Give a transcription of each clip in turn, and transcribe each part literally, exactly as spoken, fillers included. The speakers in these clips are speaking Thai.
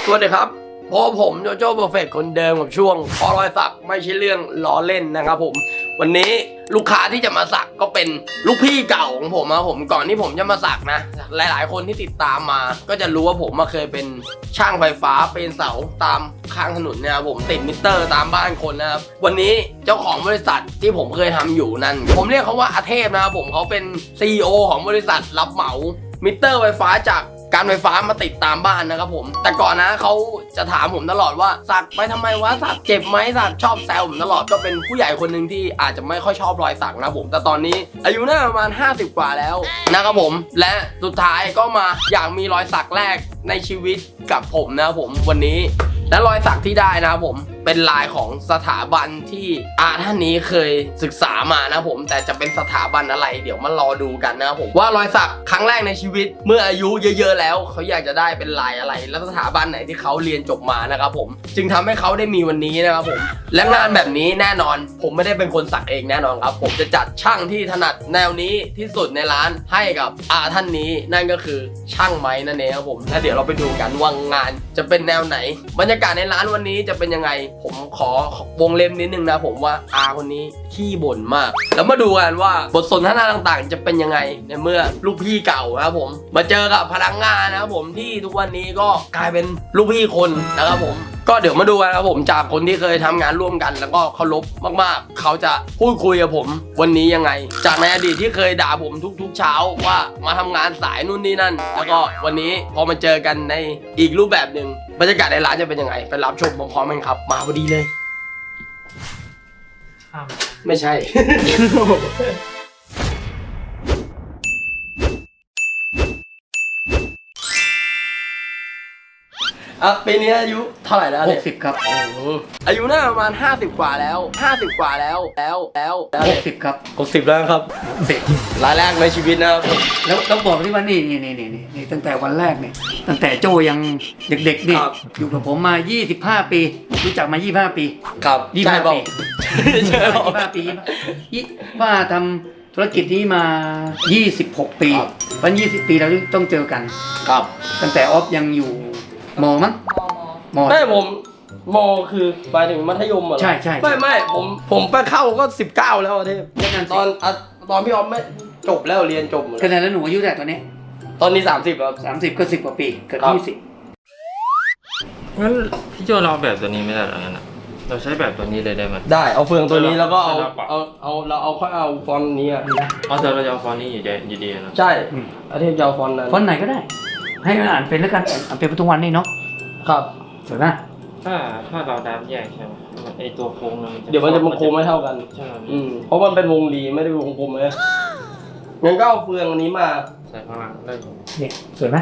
สวัสดีครับพอผมโจโจ้เพอร์เฟกต์คนเดิมกับช่วงพอรอยสักไม่ใช่เรื่องล้อเล่นนะครับผมวันนี้ลูกค้าที่จะมาสักก็เป็นลูกพี่เก่าของผมนะผมก่อนที่ผมจะมาสักนะหลายๆคนที่ติดตามมาก็จะรู้ว่าผมมาเคยเป็นช่างไฟฟ้าเป็นเสาตามข้างถนนนะครับผมติดมิเตอร์ตามบ้านคนนะครับวันนี้เจ้าของบริษัทที่ผมเคยทำอยู่นั่นผมเรียกเขาว่าอาเทพนะครับผมเขาเป็น ซี อี โอ ของบริษัทรับเหมามิเตอร์ไฟฟ้าจากการไฟฟ้ามาติดตามบ้านนะครับผมแต่ก่อนนะเขาจะถามผมตลอดว่าสักไปทำไมวะสักเจ็บไหมสักชอบแซวผมตลอดก็เป็นผู้ใหญ่คนหนึ่งที่อาจจะไม่ค่อยชอบรอยสักนะผมแต่ตอนนี้อายุน่าประมาณห้าสิบกว่าแล้วนะครับผมและสุดท้ายก็มาอยากมีรอยสักแรกในชีวิตกับผมนะครับผมวันนี้และรอยสักที่ได้นะครับผมเป็นลายของสถาบันที่อาท่านนี้เคยศึกษามานะผมแต่จะเป็นสถาบันอะไรเดี๋ยวมารอดูกันนะครับผมว่ารอยสักครั้งแรกในชีวิตเมื่ออายุเยอะๆแล้วเขาอยากจะได้เป็นลายอะไรและสถาบันไหนที่เขาเรียนจบมานะครับผมจึงทำให้เขาได้มีวันนี้นะครับผมและงานแบบนี้แน่นอนผมไม่ได้เป็นคนสักเองแน่นอนครับผมจะจัดช่างที่ถนัดแนวนี้ที่สุดในร้านให้กับอาท่านนี้นั่นก็คือช่างไม้นั่นเองครับผมและเดี๋ยวเราไปดูกันว่างานจะเป็นแนวไหนบรรยากาศในร้านวันนี้จะเป็นยังไงผมขอวงเล็บนิดนึงนะผมว่าอาคนนี้ขี้บ่นมากแล้วมาดูกันว่าบทสนทนาต่างๆจะเป็นยังไงในเมื่อลูกพี่เก่านะครับผมมาเจอกับพนักงานนะครับผมที่ทุกวันนี้ก็กลายเป็นลูกพี่คนนะครับผมก็เดี๋ยวมาดูกันครับผมจากคนที่เคยทำงานร่วมกันแล้วก็เคารพมากๆเขาจะพูดคุยกับผมวันนี้ยังไงจากในอดีตที่เคยด่าผมทุกๆเช้าว่ามาทำงานสายนู่นนี่นั่นแล้วก็วันนี้พอมาเจอกันในอีกรูปแบบหนึ่งบรรยากาศในร้านจะเป็นยังไงไปรับชมพร้อมๆกันครับมาพอดีเลยไม่ใช่ อ่ะปีนี้อายุเท่าไหร่แล้วหเนี่ยกสิบครับอายุน่าประมาณห้าสิบกว่าแล้วห้าสิบกว่าแล้วแล้วแล้วแล้วหกสิบครับหกสิบแล้วครับสิบรายแรกในชีวิตนะครับแล้วต้องบอกที่ว่านี่นี่นี่นี่นี่ตั้งแต่วันแรกเนี่ยตั้งแต่โจยังเด็กๆนี่อยู่กับผมมายี่สิบห้าปีรู้จักมายี่สิบห้าปีครับยี่สิบห้าใช่ปีใช่ยี่สิบห้าปียี่ว่าทำธุรกิจนี้มายี่สิบหกปีวันยี่สิบปีเราต้องเจอกันครับตั้งแต่ออฟยังอยู่มอมั้งมอไม่ผมมอคือหมายถึงมัธยมเหรอใช่ใช่ไม่ไม่ผมผมไปเข้าก็สิบเก้าแล้วอะเทพนั่นตอนอะตอนพี่ออฟไม่จบแล้วเรียนจบหมดขนาดนั้นหนูอายุเท่าไหร่ตอนนี้ตอนนี้สามสิบครับสามสิบก็สิบกว่าปีเกิดครับยี่สิบงั้นพี่โจเราเอาแบบตัวนี้ไม่ได้หรองั้นอะเราใช้แบบตัวนี้เลยได้ไหมได้เอาเฟืองตัวนี้แล้วก็เอาใช่ครับเอาเอาเราเอาค่อยเอาฟอนต์นี้อะอ๋อแต่เราจะเอาฟอนต์นี้อยู่ดีอยู่ดีนะใช่อาเทพจะเอาฟอนต์นั้นฟอนต์ไหนก็ได้ ให้มันอ่านเป็นแล้วกันอ่านเป็นทุกวันนี่เนาะครับสวยไหมถ้าถ้าเราดับแยกใช่ไหมไอตัวโค้งนั้นเดี๋ยวมันจะมันโค้งไม่เท่ากันใช่ไหมอืมเพราะมันเป็นวงรีไม่ได้วงกลมเลยงั้นก็เอาเฟืองอันนี้มาใส่ข้างล่างได้อยู่เนี่ยสวยไหม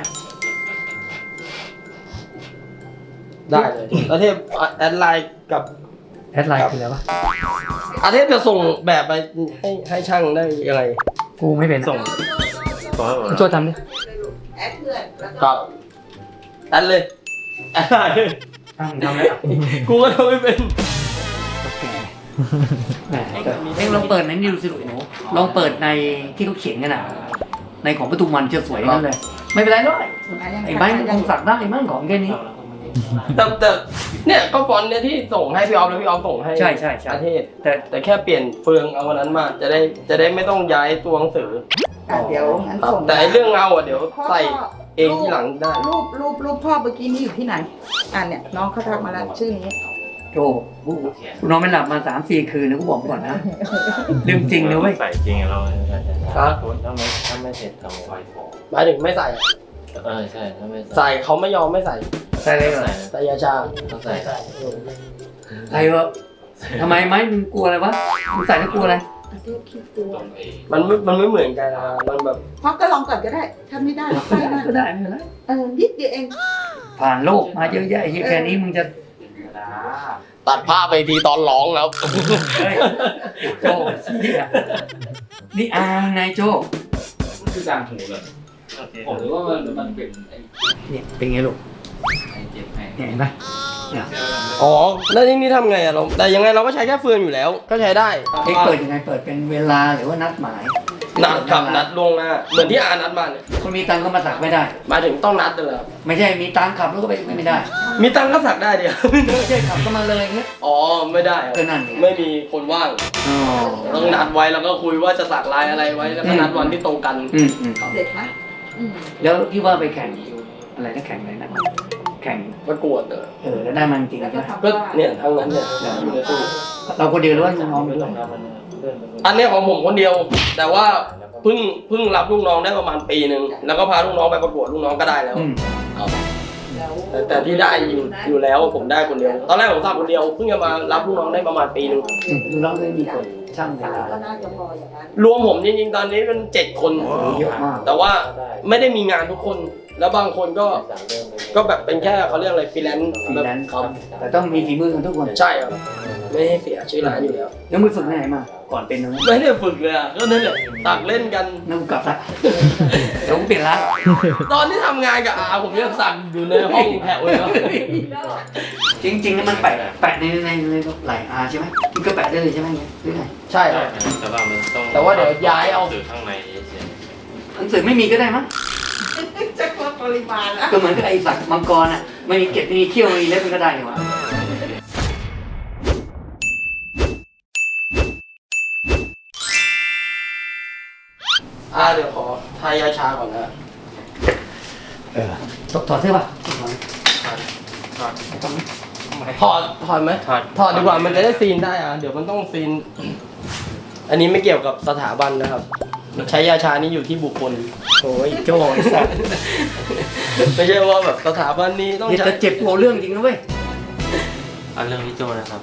ได้เลยอาเทพแอดไลน์กับแอดไลน์คืออะไรวะอาเทพจะส่งแบบไปให้ให้ช่างได้ยังไงกูไม่เป็นส่งส่งให้ผมช่วยทำดิแอดเพื่อนแล้วคก็รับแอดเลยแอดไลน์ทำทำแล้วกูก็ทำไม่เป็นโอเคแหมเอ็งลองเปิดในนิวสิลูกหนูลองเปิดในที่เขาเขียนกันอ่ะในของปทุมวันจะสวยนั่นเลย ไม่เป็นไรหรอกไอ้ใบมันคงสักได้มั่งของแค่นี้แต่แต่เนี่ยก็ฟอนต์เนี่ยที่ส่งให้พี่ออฟแล้วพี่ออฟส่งให้ใช่ใช่ใช่อาเทพแต่แต่แค่เปลี่ยนเฟืองเอาวันนั้นมาจะได้จะได้ไม่ต้องย้ายตัวหนังสืออ่ะเดี๋ยวงั้นส่งแต่ไอ้เรื่องเงาอ่ะเดี๋ยวพ่อใส่เองที่หลังได้รูปรูปรูปพ่อเมื่อกี้นี้อยู่ที่ไหนอ่ะเนี่ยน้องเขาทักมาแล้วชื่อนี้โจกูกูนอนไม่หลับมาสามสี่คืนนะกูบอกก่อนนะเรื่องจริงนะเว้ยใส่จริงเราครับถ้าไม่ถ้าไม่เสร็จทำไว้ก่อนหมายถึงไม่ใส่อะเออใช่ถ้าไม่ใส่เขาไม่ยอมไม่ใส่ใส่เลยเหรอใส่ใส่ยาชาต้องใส่ใส่เหรอทำไมไหมมึงกลัวอะไรวะมึงใส่แล้วกลัวอะไรอาเทพคิดตัวมันไม่มันไม่เหมือนกันนะมันแบบพ่อก็ลองก่อนก็ได้ถ้าไม่ได้ใส่นั่นก็ได้ไม่เป็นไรเออนิดเดียวเองผ่านโลกมาเยอะแยะไอ้เหี้ยแค่นี้มึงจะตัดผ้าไปทีตอนร้องแล้วเฮ้ยโจ้เหี้ยนี่อางไงโจ้คือการหูเลยผมรู้ว่ามันมันเป็นไอ้เนี่ยเป็นไงลูกไอ้เจ็บแม่เนี่ยเห็นไหมเนี่ยอ๋อแล้วนี่นี่ทำไงอะเราแต่ยังไงเราก็ใช้แค่เฟืองอยู่แล้ว ก็ใช้ได้เอ็กเปิดยังไงเปิดเป็นเวลาหรือว่านัดหมายนัดกับนัดล่วงหน้าเหมือนที่อานัดมาเนี่ยคนมีตังค์ก็มาสักไม่ได้มาถึงต้องนัดเลยเหรอไม่ใช่มีตังค์ขับแล้วก็ไปไม่ได้มีตังค์ก็สักได้เดียวไม่ใช่ขับก็มาเลยอย่างเงี้ยอ๋อไม่ได้เหรอก็นั่นไงไม่มีคนว่างอ๋อต้องนัดไว้แล้วก็คุยว่าจะสักลายอะไรไว้แล้วก็นัดวันที่ตรงกันอืมอืมเด็กไหมอืมแล้วที่ว่าไปแข่งอะไรนะแข่งอะไรนะแข่งประกวดเออเออแล้วได้มันจริงแล้วใช่ก็ไหมทำก็บ้านเนี่ยทั้งนั้นเนี่ยอยู่ในตู้เราคนเดียวหรือว่าน้องๆด้วยอันเนี้ยของผมคนเดียว แต่ว่าเพิ่งเพิ่งรับลูกน้องได้ประมาณปีหนึ่งแล้วก็พาลูกน้องไปประกวดลูกน้องก็ได้แล้วอืมครับแล้วแต่แต่ที่ได้อยู่อยู่แล้วผมได้คนเดียว ตอนแรกผมสักคนเดียวเพิ่งจะมารับลูกน้องได้ประมาณปีหนึ่งอืมน้องได้มีคนช่างเวลาก็น่าจะพออย่างนั้นรวมผมจริงๆตอนนี้เป็นเจ็ดคนเยอะมากแต่ว่าไม่ได้มีงานทุกคน แล้วบางคนก็ก็แบบเป็นแค่เขาเรียกอะไรฟรีแลนซ์ฟรีแบบแลนซ์ครับแต่ต้องมีฝีมือกันทุกคนใช่ครับไม่ให้เสียชื่อร้านอยู่แล้วแล้วมือฝึกไหนมา ก่อนเป็นน้องไม่ได้ฝึกเลยอ่ะก็นั่นแหละตักเล่นกันน้องกลับละเดี๋ยวกูเปลี่ยนร้านตอนที่ทำงานกับอาผมยังสั่งอยู่ในห้องแถวเลยครับจริงๆแล้วมันแปะแปะในในในไหลอาใช่ไหมมันก็แปะได้เลยใช่ไหมเนี่ยหรือไงใช่คใช่รับแต่ว่ามันต้องแต่ว่าเดี๋ยวย้ายเอาสื่อข้างในเฉยหนังสือไม่มีก็ได้มั้งจะลดปริมาณแล้วก็เหมือนกับไอ้สัตว์มังกรอ่ะไม่มีเกล็ดไม่มีเขี้ยวไม่มีเล็บมันก็ได้นี่หว่าอาเดี๋ยวขอทายาชาก่อนนะเออถอดถอดเสื้อป่ะถอดถอดไหมถอดถอดดีกว่ามันจะได้ซีนได้อ่ะเดี๋ยวมันต้องซีน อันนี้ไม่เกี่ยวกับสถาบันนะครับ ใช้ยาชานี้อยู่ที่บุคคลโอ้ยโจ้ไอ้สัตว์ไม่ใช่ว่าแบบสถาบันนี้ต้องเดี๋ยวใช้จะเจ็บตัวเรื่องจริงนะเว้ยเอาเรื่องพี่โจนะครับ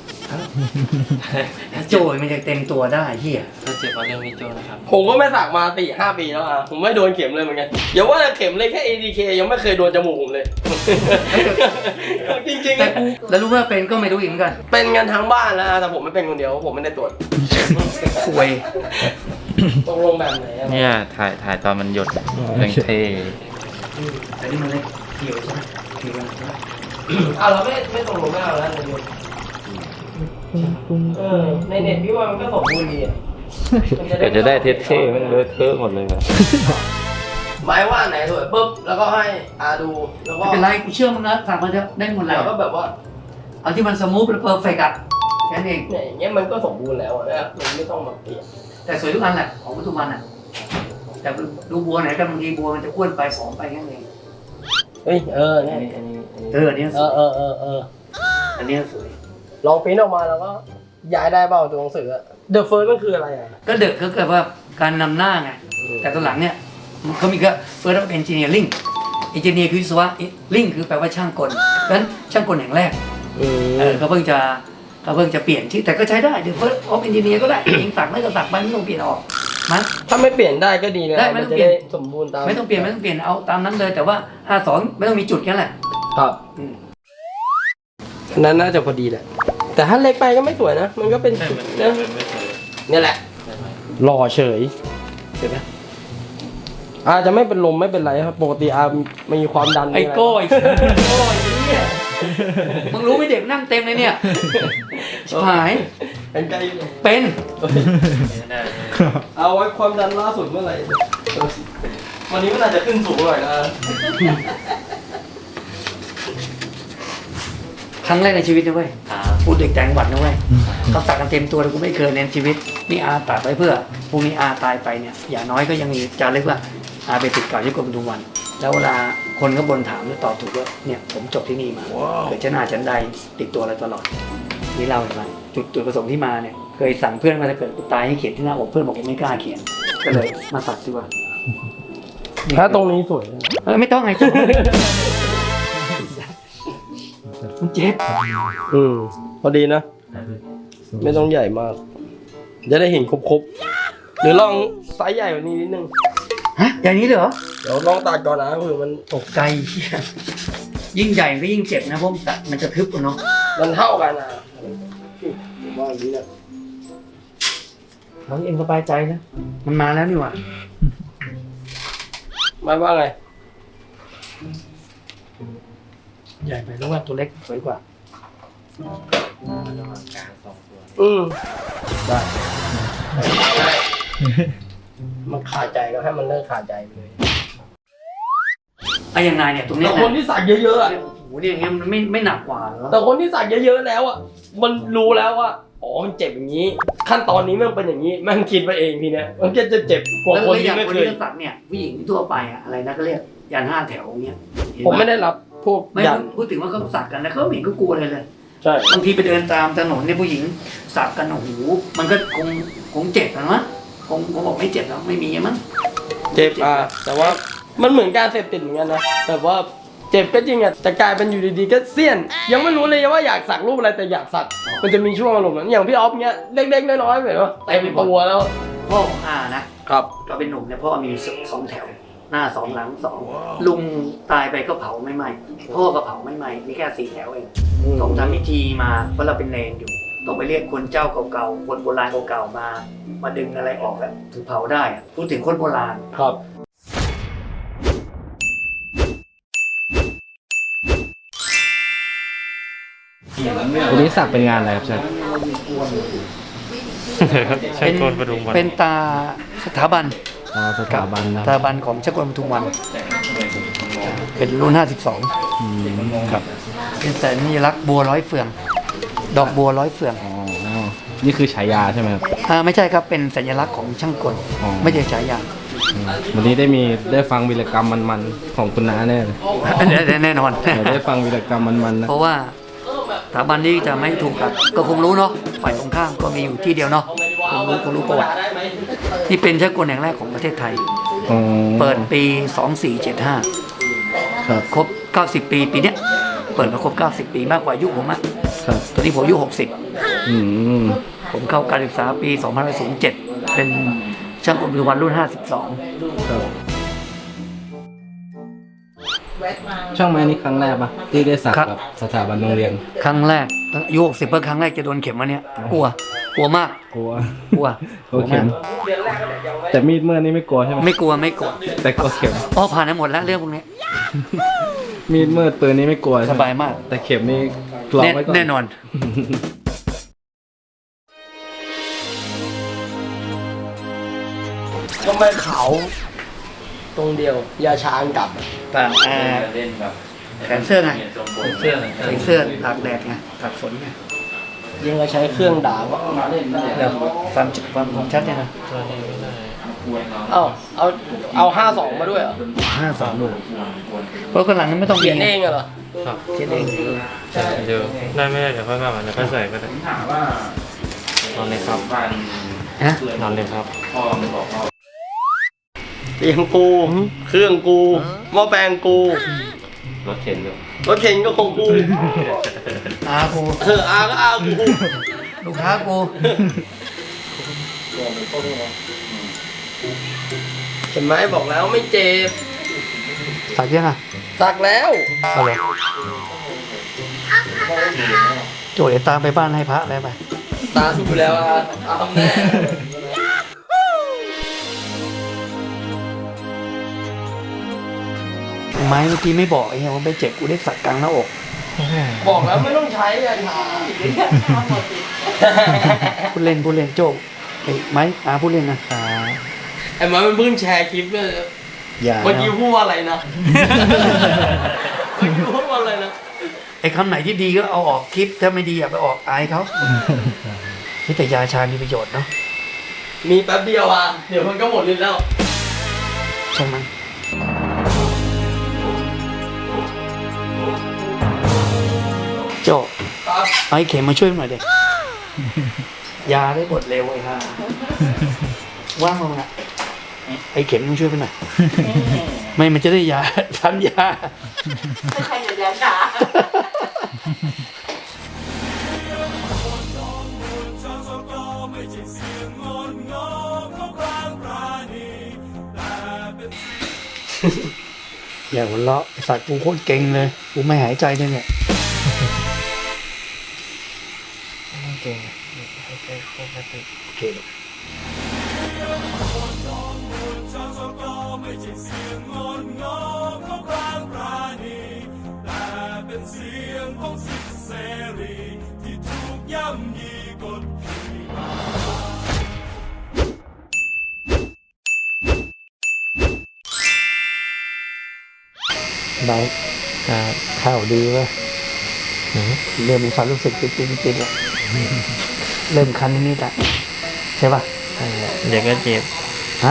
โจ้มันจะเต็มตัวได้เฮียถ้าเจ็บเอาเรื่องพี่โจนะครับผมก็ไม่สักมาสี่ห้าปีแล้วอ่ะผมไม่โดนเข็มเลยเหมือนกันอย่าว่าแต่เข็มเลยแค่ เอ ดี เค ยังไม่เคยโดนจมูกผมเลย จริงๆแต่อะกูแล้วรู้ว่าเป็นก็ไม่รู้อีกเหมือนกันเป็นกันทั้งบ้านแล้วแต่ผมไม่เป็นคนเดียวผมไม่ได้ตรวจป่วยตกลงแบบไหนอะเนี่ยถ่ายถ่ายตอนมันหยดเรื่องเท่แต่นี่มันเล็กเขียวใช่ไหมเขียวใช่ไหมอ่ะเราไม่ไม่ตกลงไม่เอาแล้วในเน็ตเออในเน็ตพี่ว่ามันก็สมบูรณ์ดีอ่ะมันแต่จะได้เท่ๆมันเลอะเทอะหมดเลยอะหมายว่าไหนสวยปุ๊บแล้วก็ให้อาดูแล้วไม่ก็เป็นไรกูเชื่อมึงนะสั่งมาเถอะได้หมดแล้แล้ว วก็แบบว่าเอาที่มันสมูทและเพอร์เฟกต์อ่ะแค่นั้นเองเนี่ยอย่างเงี้ยมันก็สมบูรณ์แล้วอะนะมันไม่ต้องมาเปลี่ยนแต่สวยทุกอันแหละของปัจจุบันอ่ะแต่ดูบัวไหนกันบางทีบัวมันจะอ้วนไปผอมไปแค่นั้นเองเฮ้ยเอออัเนี่นยนี้อันนี้อันนี้เอออันเนี้ยสเอวอย เออเออเอออันเนี้ยสวยลองปริ้นออกมาแล้วก็ย้ายได้เปล่าตัวหนังสือเดอะเฟิร์สมันคืออะไรอ่ะก็เด็กก็เกิดว่าการนำหน้าไงแต่ตอนหลังเนี่ยเขามีก็เฟิร์สเอนจิเนียริ่งเอนจิเนียร์คือวิศวะลิงคือแปลว่าช่างกลเพราะฉะนั้นช่างกลแห่งแรกอืมเออเขาเพิ่งจะเขาเพิ่งจะเปลี่ยนชื่อแต่ก็ใช้ได้เดี๋ยวเฟิร์สออฟเอนจิเนียร์ก็ได้ยิงสักไม่ก็สักไปไม่ต้องเปลี่ยนออกมั้ยถ้าไม่เปลี่ยนได้ก็ดีนะได้ไม่มันต้องจะเปลี่ยได้นสมบูรณ์ตามไม่ต้องเปลี่ยนไม่ต้องเปลี่ยนเอาตามนั้นเลยแต่ว่าห้าสองไม่ต้องมีจุดแค่นั้นแหละครับอืมอันนั้นน่าจะพอดีแหละแต่ถ้าเล็กไปก็ไม่สวยนะ มันก็เป็นใช่มันเนี่ยมันไม่สวยเนี่ยแหละใช่ไหมหล่อเฉยเห็นไหมอาจจะไม่เป็นลมไม่เป็นไรครับปกติอามีความดันไอ้มีะรโก้ไอ้โก้ไอ้เนี่ยมึงรู้ไหมเด็กนั่งเต็มเลยเนี่ยชิบหายเป็นไกลเป็นไม่ได้เอาไว้ความดันล่าสุดเมื่อไหร่วันนี้มันอาจจะขึ้นสูงหน่อยนะครั้งแรกในชีวิตนะเว้ยพูดเด็กแต่งหวัดนะเว้ยเขาสักกันเต็มตัวเลยกูไม่เคยในชีวิตนี่อาตัดไว้เพื่อพรุ่งนี้อาตายไปเนี่ยอย่างน้อยก็ยังมีจารึกว่าอาเป็นศิษย์เก่าที่กรมทุกวัน แล้วเวลาคนก็บนถามแล้วตอบถูกว่าเนี่ยผมจบที่นี่มาเกิดชนะฉันใดติดตัวอะไรตลอดนี่เล่าให้ฟังจุดจุดประสงค์ที่มาเนี่ยเคยสั่งเพื่อนมาถ้าเกิดกูตายให้เขียนที่หน้าอกเพื่อนบอกผมไม่กล้าเขียนก็เลยมาสักดีกว่าถ้าตรงนี้สวยนะเออไม่ต้องไงจุ๊บมันเจ็บอืมพอดีนะ ไม่ต้องใหญ่มาก จะได้เห็นครบๆหรือลองไซส์ใหญ่กว่านี้นิดนึงฮะอย่างนี้เลยเหรอเดี๋ยวลองตัดก่อนนะคือมันตกใจเหี้ยยิ่งใหญ่ก็ยิ่งเจ็บนะเพราะมันสัตว์มันจะทึบอะเนาะมันเท่ากันนะผมว่าอย่างนี้นะเราเองสบายใจนะมันมาแล้วนี่หว่าหมายว่าไงใหญ่ไปแล้วว่าตัวเล็กสวยกว่าอืมได้มันขาดใจก็ให้มันเลิกขาดใจไปเลยไอ้ยังไงเนี่ยตรงเนี้แต่ยคนที่สักเยอะๆอะโอ้โหเนี่ยอย่างเงี้ยมันไม่ไม่หนักกว่าเหรอแต่คนที่สักเยอะๆแล้วอ่ะมันรู้แล้วว่าอ๋อมันเจ็บอย่างนี้ ขั้นตอนนี้มันเป็นอย่างนี้แม่งคิดไปเองทีเนี้ยมันก็จะเจ็บกว่าแล้วคนอที่ย่างไม่คนเคยที่สักเนี่ยผู้หญิงทั่วไปอะอะไรนะก็เรียกยันห้าแถวเงี้ยเห็นผมปะไม่ได้รับพวกไม่ยันพูดถึงว่าเขาสักกันนะเขาไม่เห็นก็กลัวเลยเลยใช่บางทีไปเดินตามถนนเนี่ยผู้หญิงสักกันโอ้โหมันก็คงคงเจ็บนะมั้งคงคงบอกไม่เจ็บแล้วไม่มีมั้งเจ็บอ่ะแต่ว่ามันเหมือนการเสพติดเหมือนกันนะแบบว่าเจ็บก็จริงอ่ะแต่กลายเป็นอยู่ดีๆก็เสี้ยน ยังไม่รู้เลยว่าอยากสักรูปอะไรแต่อยากสักมันจะมีช่วงอารมณ์นั้นอย่างพี่ออฟเนี้ยเล็กๆน้อยๆแบบว่าเต็มตัวแล้วพ่อของอานะครับ ก็เป็นหนุ่มเนี่ยพ่อมีสองแถวหน้าสองหลังสองลุงตายไปก็เผาไม่ไหม้พ่อก็เผาไม่ไหม้มีแค่สี่แถวเองต้องทำพิธีมาเพราะเราเป็นเนรอยู่ต้องไปเรียกคนเจ้าเก่าๆคนโบราณเก่าๆมามาดึงอะไรออกแบบถึงเผาได้อะพูดถึงคนโบราณครับวันนี้สักเป็นงานอะไรครับเชฟใช่โกนประดุมวันเป็นตาสถาบันอ๋อสถาบันนะสถาบันของชกลปทุมวัน เป็นรุ่นห้าสิบสองครับเป็นสัญลักษณ์บัวร้อยเฟือง ดอกบัวร้อยเฟืองอ๋อนี่คือฉายาใช่ไหมครับอ่าไม่ใช่ครับเป็นสัญลักษณ์ของช่างกลอ๋อไม่ใช่ฉายาอืมวันนี้ได้มีได้ฟังวีรกรรมมันๆของคุณน้าแน่เลยแน่นอนเดี๋ยวได้ฟังวีรกรรมมันๆนะเพราะว่าสถาบันนี้จะไม่ถูกกับก็คงรู้เนาะฝ่ายตรงข้ามก็มีอยู่ที่เดียวเนาะคงรู้คงรู้ประวัตินี่เป็นช่างกลแห่งแรกของประเทศไทยอ๋อเปิดปีสองสี่เจ็ดห้าครับครบเก้าสิบปีปีเนี้ยเปิดมาครบเก้าสิบปีมากกว่าอายุผมอะครับตอนนี้ผมอายุหกสิบอืมผมเข้าการศึกษาปีสองพันเจ็ดเป็นช่างกลปัจจุบันรุ่นห้าสิบสองครับแวะมาช่างไม้นี่ครั้งแรกปะที่ได้สักกับสถาบันโรงเรียนครั้งแรกอายุหกสิบเพื่อครั้งแรกจะโดนเข็มมาเนี่ยกลัวกลัวมากกลัวกลัวกลัวเข็มแต่มีดเมื่อนี่ไม่กลัวใช่ไหมไม่กลัวไม่กลัวแต่กลัวเข็มอ๋อผ่านมาหมดแล้วเรื่องพวกนี้มีดเมื่อปืนนี่ไม่กลัวสใช่ไหมบายมากแต่เข็มนี่กลัวแน่ไว้ก่อนแน่นอนทำไมเขาตรงเดียว ยาช้างกลับต่างอ่าแขนเสื้อไงเสื้อใส่เสื้อตากแดดไงตากฝนไงยังก็ใช้เครื่องด่าว่าเดี๋ยวความจุความคมชัดเนี่ยนะตัวนี้ไม่ได้เอ้าเอาเอาห้าสองมาด้วยเหรอห้าสองลูกเพราะคนหลังนั้นไม่ต้องเขียนเองเหรอครับเขียนเองเดี๋ยวได้ไม่ได้เดี๋ยวค่อยว่ากันเดี๋ยวค่อยใส่ก็ได้นอนเลยครับฮะนอนเลยครับเตียงกู เครื่องกูหม้อแปลงกูรถเข็นอยู่รถเข็นก็ของกูอากูเอออาก็อากูลูกค้ากูเห็นไหมบอกแล้วไม่เจ็บสักยังอ่ะสักแล้วเอาเลยโจเดี๋ยวตามไปบ้านให้พระแล้วไปตามอยู่แล้วอ่ะเอาแน่ไม้เมื่อกี้ไม่บอกไอ้เหี้ยว่าไปเจ็บกูได้สักกลางหน้าอกบอกแล้วไม่ต้องใช้ยาชาพูดเล่นพูดเล่นโจ้ไอ้ไม้อาพูดเล่นนะไอ้หมามันเพิ่งแชร์คลิปเลยอย่าเมื่อกี้นะพูดว่าอะไรนะเมื่อกี้พูดว่าอะไรนะไอ้คำไหนที่ดีก็เอาออกคลิปถ้าไม่ดีอย่าไปออกอายเขานี่แต่ยาชามีประโยชน์เนาะมีแป๊บเดียวอ่ะเดี๋ยวมันก็หมดฤทธิ์แล้วใช่ไหมโจครับเอาไอ้เข็มมาช่วยหน่อยเด็กยาได้บทเร็วไอ้ห่าว่างมั้งอ่ะไอ้เข็มต้องช่วยไปหน่อยไม่มันจะได้ยาทันยาไม่ใช่ยาชาอย่าหัวเราะไอ้สัตว์กูโคตรเก่งเลยกูไม่หายใจเลยเนี่ยเก่งหายใจปกติโอเคเป็นเสียงของสิทธิเสรีที่ถูกย่ำยีกดขี่มาบายข่าวดีเว้ยเริ่มมีความรู้สึกติดติดติดแล้วเริ่มคันนิดๆละใช่ป่ะเดี๋ยวก็เจ็บฮะ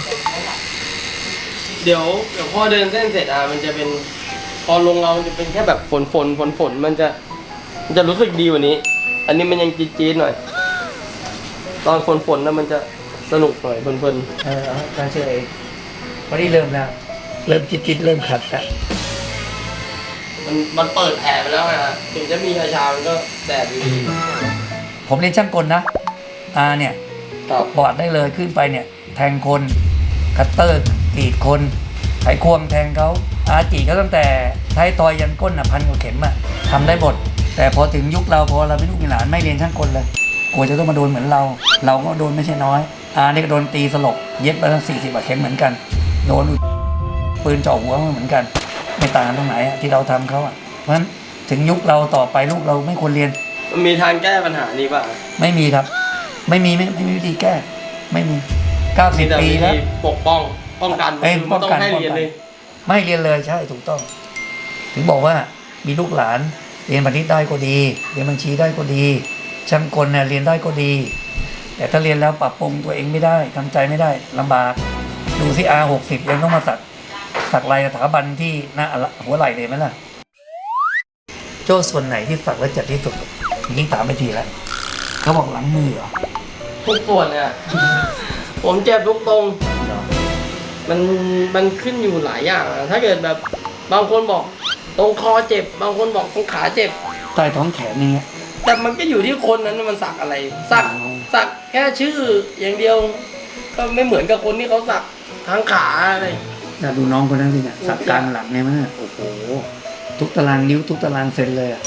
เดี๋ยวเดี๋ยวพอเดินเส้นเสร็จอ่ะมันจะเป็นพอลงเรามันจะเป็นแค่แบบฝนฝนฝนฝนมันจะมันจะรู้สึกดีกว่านี้ อันนี้มันยังจี๊ดๆหน่อย ตอนฝนฝนนะมันจะสนุกหน่อยเพลินเออตาเชื่อเองวันนี้เริ่มแล้วเริ่มจิตจิตเริ่มขัดแล้วๆมันมันเปิดแผลไปแล้วไงฮะถึงจะมีชาชามันก็แสบอยู่ดีผมเรียนช่างกลนะอาเนี่ยครับบอร์ดได้เลยขึ้นไปเนี่ย แทงคนคัตเตอร์กรีดคนไขควงแทงเขาอาจีก็ตั้งแต่ท้ายทอยยันก้นอ่ะพันกว่าเข็มอ่ะทำได้หมดแต่พอถึงยุคเราพอเราเป็นลูกมีหลานไม่เรียนช่างกลเลยกลัวจะต้องมาโดนเหมือนเรา เราก็โดนไม่ใช่น้อยอาเนี่ยก็โดนตีสลบเย็บไปตั้งสี่สิบกว่าเข็มเหมือนกันโดนปืนจ่อหัวเหมือนกันไม่ต่างกันตรงไหนอะที่เราทำเขาอ่ะเพราะฉะนั้นถึงยุคเราต่อไปลูกเราไม่ควรเรียนมันมีทางแก้ปัญหานี้ป่ะไม่มีครับ ไม่มีไม่ไม่มีวิธีแก้ ไม่มีเก้าสิบแต่ปีวิแล้วธีปกป้องป้องกันเอ้ยคือไม่ต้องป้องกันให้เรียนเลยไม่เรียนเลยใช่ถูกต้อง ถึงบอกว่ามีลูกหลานเรียนบัณฑิตได้ก็ดี เรียนบัญชีได้ก็ดี ช่างกลเนี่ยเรียนได้ก็ดี แต่ถ้าเรียนแล้วปรับปรุงตัวเองไม่ได้ทำใจไม่ได้ลำบาก ดูสิอาหกสิบยังต้องมาสักสักลายสถาบันที่หน้าหัวไหล่เลยไหมล่ะ โจ้ส่วนไหนที่สักแล้วเจ็บที่สุดยิ่งถามไปทีแล้วเขาบอกหลังมือเหรอทุกส่วนเนี่ย ผมเจ็บทุกตรง มันมันขึ้นอยู่หลายอย่างอะถ้าเกิดแบบบางคนบอกตรงคอเจ็บ บางคนบอกตรงขาเจ็บใต้ท้องแขนนี่เงี้ยแต่มันก็อยู่ที่คนนั้นมันสักอะไร สักอ๋อสักแค่ชื่ออย่างเดียว ก็ไม่เหมือนกับคนที่เขาสักทั้งขาอะไรน่าดูน้องคนนั้นสิเนี่ยสักกลางหลังเนี่ยมั้ยโอ้โหทุกตารางนิ้วทุกตารางเซนเลยอ่ะ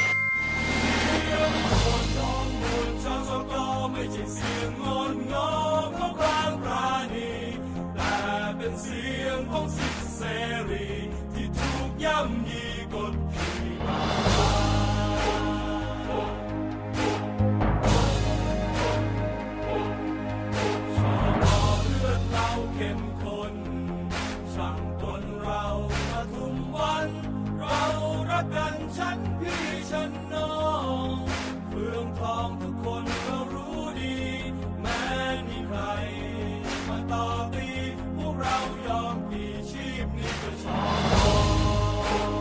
ไม่ใช่เสียงงอนงอของความปราณีแต่เป็นเสียงของสิทธิเสรีที่ถูกย่ำยีกดขี่มาชอบเลือดเราเข้มข้นช่างกลเราปทุมวัน เรารักกันฉันพี่ฉันน้องเฟืองทองทุกคนก็รู้ดีแม้มีใครมาต่อตีพวกเรายอมพี่ชีพนี้ก็ชอบ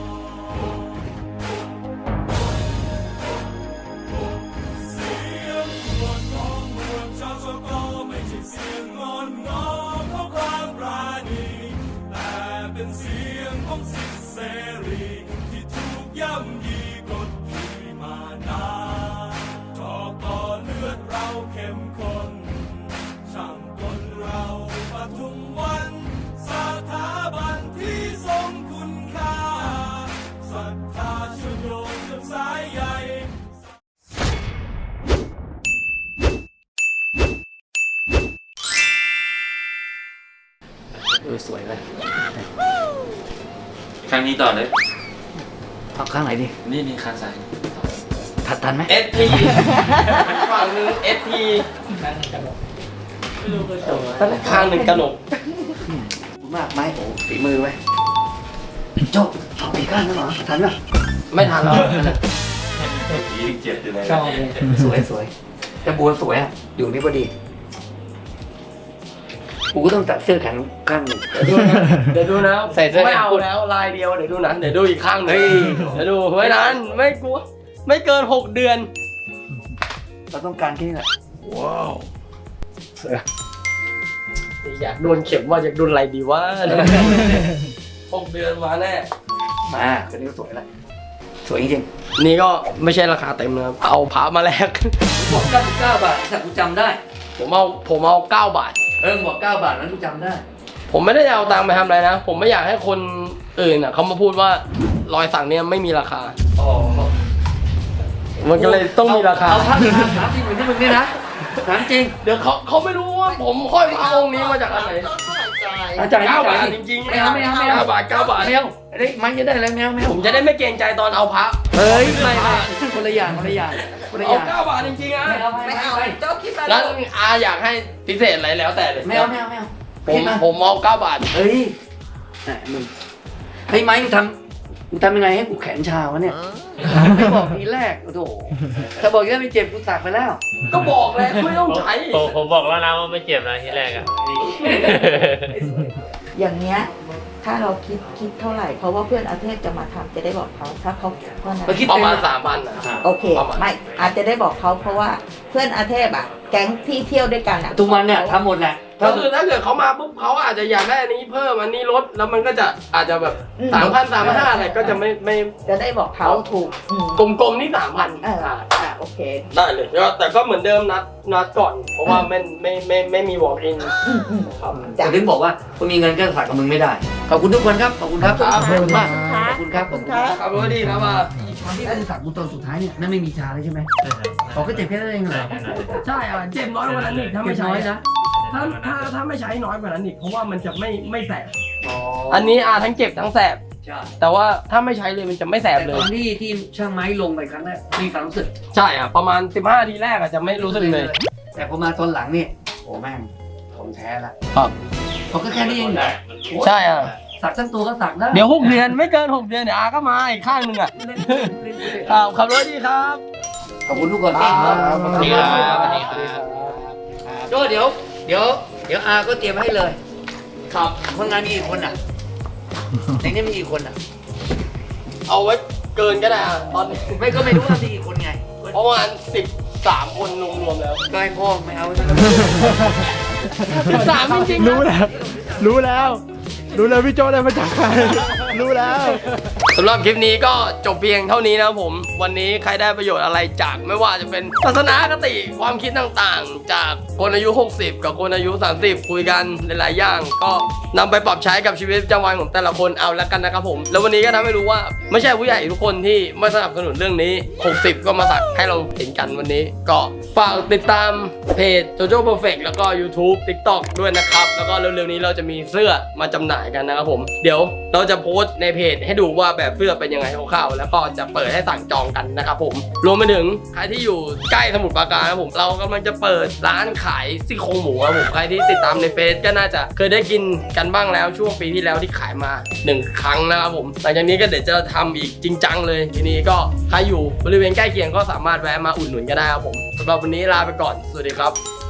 เสียงขวดของเมืองชาวสกอไม่ใช่เสียงงอนงอของความปราณีแต่เป็นเสียงของสิทธิเสรีที่ถูกย่ำยีกดขี่มานานชอกต่อเลือดเราเข้มข้นช่างกลเราปทุมวันสถาบันที่ทรงคุณค่าศรัทธาเชื่อมโยงเชื่อมสายใยเออสวยเลยครั้งนี้ต่อเลยเอาข้างไหนดินี่นี่ข้างซ้ายทัดทันไหมเอสทีฝั่งหนึงเอสทีข้างหนึ่งกระหนกมากไหมโอ้ฝีมือไว้โจ้ชอบปีกข้างนั่นเหรอทันป่ะไม่ทันแล้วยิ่งเจ็บอยู่เลยชอบเลยสวยสวยแต่บัวสวยอ่ะอยู่นี่พอดีกูก็ต้องตัดเสื้อแขนข้างหนึ่งเดี๋ยวดูนะใส่เสื้อไม่เอาแล้วลายเดียวเดี๋ยวดูนะเดี๋ยวดูอีกข้างหนึงเฮ้ยเดี๋ยวดูไม่นานไม่กลัวไม่เกินหกเดือนเราต้องการแค่นี้แหละว้าวอยากโดนเข็มว่าอยากโดนอะไรดีวะ หกเดือนมาแน่มาตัวนี้ก็สวยแล้วสวยจริงนี่ก็ไม่ใช่ราคาเต็มนะครับเอาพามาแลกๆบอกเก้าสิบเก้าบาทแต่กูจำได้ผมเอาผมเอาเก้าบาทเออบอกเก้าบาทนั้นกูจำได้ผมไม่ได้เอาตังค์ไปทำอะไรนะ ผมไม่อยากให้คนอื่นอ่ะเขามาพูดว่ารอยสักเนี่ยไม่มีราคาอ๋อมันก็เลยต้องมีราคาเอาพักถามจริงเหมือนที่มึงนี่นะถามจริงเดี๋ยวเขาเขาไม่รู้ว่าผมห้อยพระองค์นี้มาจากอันไหนอาจารย์เก้าบาทจริงๆไม่เอาไม่เอาไม่เอาเก้าบาทเก้าบาทไม่เอาเฮ้ยมันจะได้อะไรไม่เอาไม่เอาผมจะได้ไม่เกรงใจตอนเอาพระเฮ้ยไม่ไม่คนละอย่างคนละอย่างคนละอเอาย่างเก้าบาทจริงๆนะไม่เอาไม่ไม่เอาเอาไม่โจ๊กคิดมาแล้วอาอยากให้พิเศษอะไรแล้วแต่เลยเอาไม่เอาไม่เอาผมผมเอาเก้าบาทเฮ้ยแหมมึงฮ้ยไม้มึงทำมึงทำยังไงให้กูแขนชาวะเนี่ยไม่บอกทีแรกโอ้โหถ้าบอกยังไม่เจ็บกูสักไปแล้วก็บอกแล้วไม่ต้องใช้ผมผมบอกแล้วนะว่าไม่เจ็บนะที่แรกอะอย่างเงี้ยถ้าเราคิดคิดเท่าไหร่เพราะว่าเพื่อนอาเทพจะมาทำจะได้บอกเขาถ้าเขาเท่านั้นเมื่อกี้ประมาณสามพันนะโอเคประมาณไม่อาจจะได้บอกเขาเพราะว่าเพื่อนอาเทพอ่ะ แก๊งที่เที่ยวด้วยกันอ่ะทุกวันเนี่ยทำหมดแหละก็คือถ้าเกิดเขามาปุ๊บเขาอาจจะอยากได้อันนี้เพิ่มอันนี้ลดแล้วมันก็จะอาจจะแบบสามพันสามพันห้าอะไรก็จะไม่ไม่จะได้บอกเขาถูกอืมกลมๆนี่สามพันเอออ่ะโอเคได้เลยก็แต่ก็เหมือนเดิมนัดนัดก่อน เพราะว่าไม่ไม่ไม่ไม่มี walk in อืมอืมครับแต่ถึงบอกว่าคนมีเงินก็สักกับมึงไม่ได้ขอบคุณทุกคนครับขอบคุณครับครับขอบคุณมากขอบคุณครับขอบคุณครับครับสวัสดีครับว่าตอนที่กูสักกูตอนสุดท้ายเนี่ยนั่นไม่มีชาเลยใช่ไหมเขาก็เจ็บแค่นั้นเองเหรอใช่อ่ะเจ็บน้อยกว่านั้นอีกถ้าไม่ใช้น้อยนะถ้าถ้าถ้าไม่ใช้น้อยกว่านั้นอีกเพราะว่ามันจะไม่ไม่แสบอันนี้อ่ะทั้งเจ็บทั้งแสบใช่แต่ว่าถ้าไม่ใช่เลยมันจะไม่แสบแต่เลตยอนที่ที่ช่างไม้ลงไปครั้งแรกมีความรู้สึกใช่อ่ะประมาณสิบห้าทีแรกอ่ะจะไม่รู้สึกเลยแต่พอมาตอนหลังนี่โอ้แม่งของแท้ละครับเขาก็แค่นี้เองใช่อ่ะสักทั้งตัวก็สักได้เดี๋ยวหกเดือนไม่เกินหกเดือนเดี๋ยวอาก็มาอีกข้างหนึ่งอ่ะครับขับรถดีครับขอบคุณทุกคนครับสวัสดีครับสวัสดีครับโจ้เดี๋ยวเดี๋ยวเดี๋ยวอาก็เตรียมให้เลยครับคนงานมีกี่คนอ่ะในนี้มีกี่คนอ่ะเอาไว้เกินก็ได้อ่ะตอนนี้ไม่ก็ไม่รู้ว่ามีกี่คนไงประมาณสิบสามคนรวมๆแล้วก็ให้พ่อไม่เอาสิบสามจริงๆรู้แล้ว รู้แล้ว รู้แล้วพี่โจได้มาจากใคร รู้แล้วสำหรับคลิปนี้ก็จบเพียงเท่านี้นะครับผม วันนี้ใครได้ประโยชน์อะไรจากไม่ว่าจะเป็นทัศนคติความคิดต่างๆ จากคนอายุ หกสิบ กับคนอายุ สามสิบ คุยกันหลายๆอย่าง ก็นำไปปรับใช้กับชีวิตประจำวันของแต่ละคนเอาแล้วกันนะครับผม แล้ววันนี้ก็ทำให้รู้ว่าไม่ใช่ผู้ใหญ่ทุกคนที่ไม่สนับสนุนเรื่องนี้ หกสิบ ก็มาสักให้เราเห็นกันวันนี้ ก็ฝากติดตามเพจ JoJo Perfect แล้วก็ YouTube TikTok ด้วยนะครับแล้วก็เร็วๆนี้เราจะมีเสื้อมาจำหน่ายกันนะครับผมเดี๋ยวเราจะโพสต์ในเพจให้ดูว่าแบบเสื้อเป็นยังไงคร่าวๆแล้วก็จะเปิดให้สั่งจองกันนะครับผมรวมไปถึงใครที่อยู่ใกล้สมุทรปราการนะครับผมเรากำลังจะเปิดร้านขายซี่โครงหมูครับผมใครที่ติดตามในเฟซก็น่าจะเคยได้กินกันบ้างแล้วช่วงปีที่แล้วที่ขายมาหนึ่งครั้งนะครับผมหลังจากนี้ก็เดี๋ยวจะทำอีกจริงจังเลยทีนี้ก็ใครอยู่บริเวณใกล้เคียงก็สามารถแวะมาอุดหนุนก็ได้ครับผมสำหรับวันนี้ลาไปก่อนสวัสดีครับ